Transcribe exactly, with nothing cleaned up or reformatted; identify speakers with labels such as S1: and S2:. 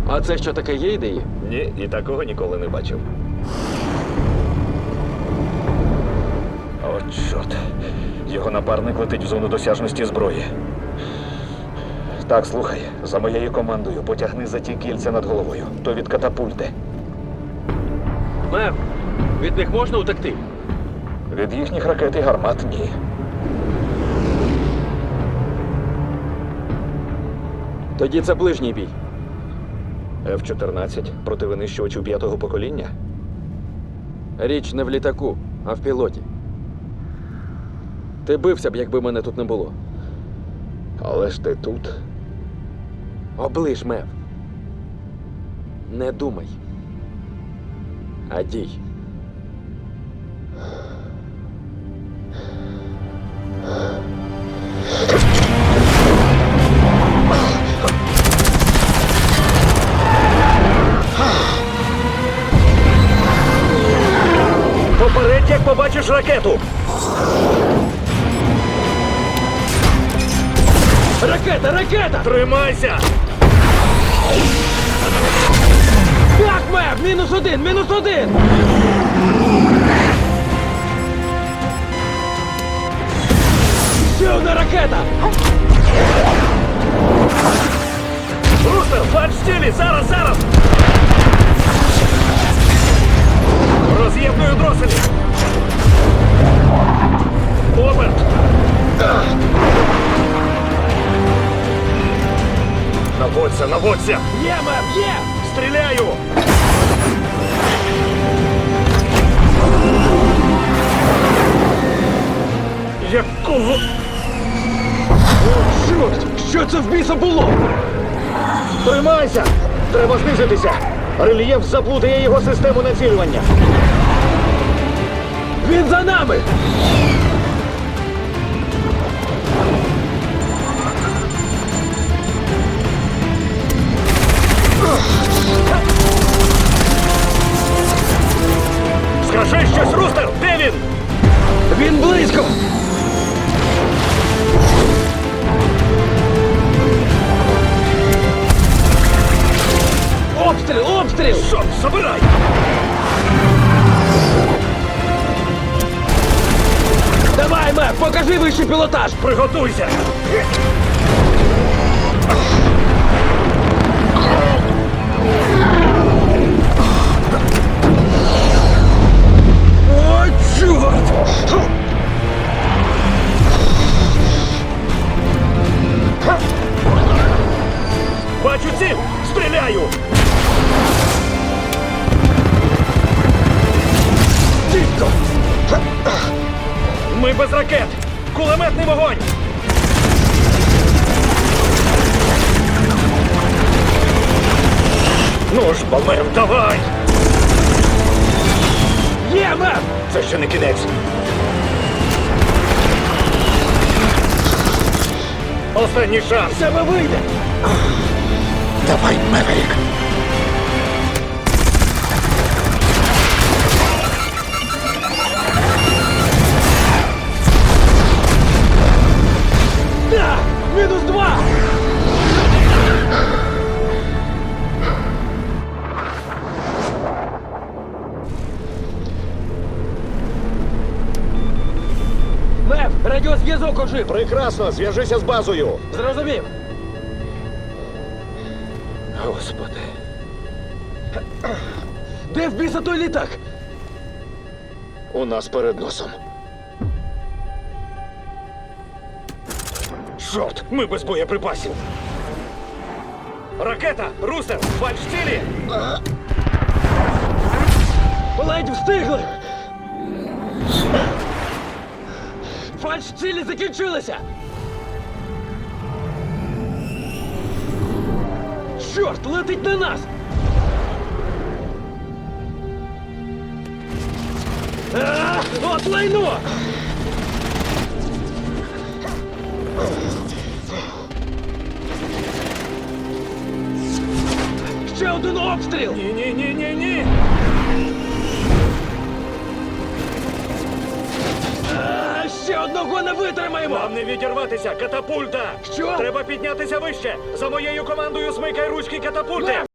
S1: А це що таке, є ідеї?
S2: Ні, і такого ніколи не бачив. О, чорт. Його напарник летить в зону досяжності зброї. Так, слухай, за моєю командою потягни за ті кільця над головою. То від катапульти.
S1: Мем, від них можна утекти?
S2: Від їхніх ракет і гармат – ні.
S1: Тоді це ближній бій.
S2: Еф чотирнадцять проти винищувачів п'ятого покоління?
S1: Річ не в літаку, а в пілоті. Ти бився б, якби мене тут не було.
S2: Але ж ти тут.
S1: Оближ, Мев. Не думай. А дій.
S2: Попередь, як побачиш ракету!
S1: Ракета, ракета!
S2: Тримайся!
S1: Так, Мев! Мінус один, мінус один! Ще одна ракета!
S2: Рустер, фальш цілі! Зараз, зараз! Роз'єдную дроселі! Оберт! Наводься, наводься!
S1: Є, Мев, є!
S2: Стріляю! Якого?
S1: Чорт! Що це в біса було?
S2: Тримайся! Треба знизитися! Рельєф заплутає його систему націлювання!
S1: Він за нами!
S2: Скажи щось, Рустер! Де він?
S1: Він близько! Обстріл! Обстріл!
S2: Шон, забирай!
S1: Давай, Мев, покажи вищий пілотаж!
S2: Приготуйся!
S1: О, чорт!
S2: Бачу ціль! Стріляю!
S1: Дідько!
S2: Ми без ракет! Кулеметний вогонь! Ну ж, Балмер, давай!
S1: Є, Мев!
S2: Це ще не кінець. Останній шанс.
S1: З тебе вийде!
S2: Давай, Меверік.
S1: Так! Мінус два! Мев, радіозв'язок ожив!
S2: Прекрасно, зв'яжися з базою.
S1: Зрозумів!
S2: Господи.
S1: Де в біса той літак?
S2: У нас перед носом. Чорт, ми без боєприпасів. Ракета! Рустер! Фальш цілі!
S1: Ледь встигли! Фальш цілі закінчилися! Чорт, летить на нас! А, от лайно! Ще один обстріл!
S2: Ні-ні-ні-ні-ні!
S1: А, ще одного не витримаємо!
S2: Нам не відірватися! Катапульта!
S1: Що?
S2: Треба піднятися вище! За моєю командою смикай ручки катапульти!
S1: Мев,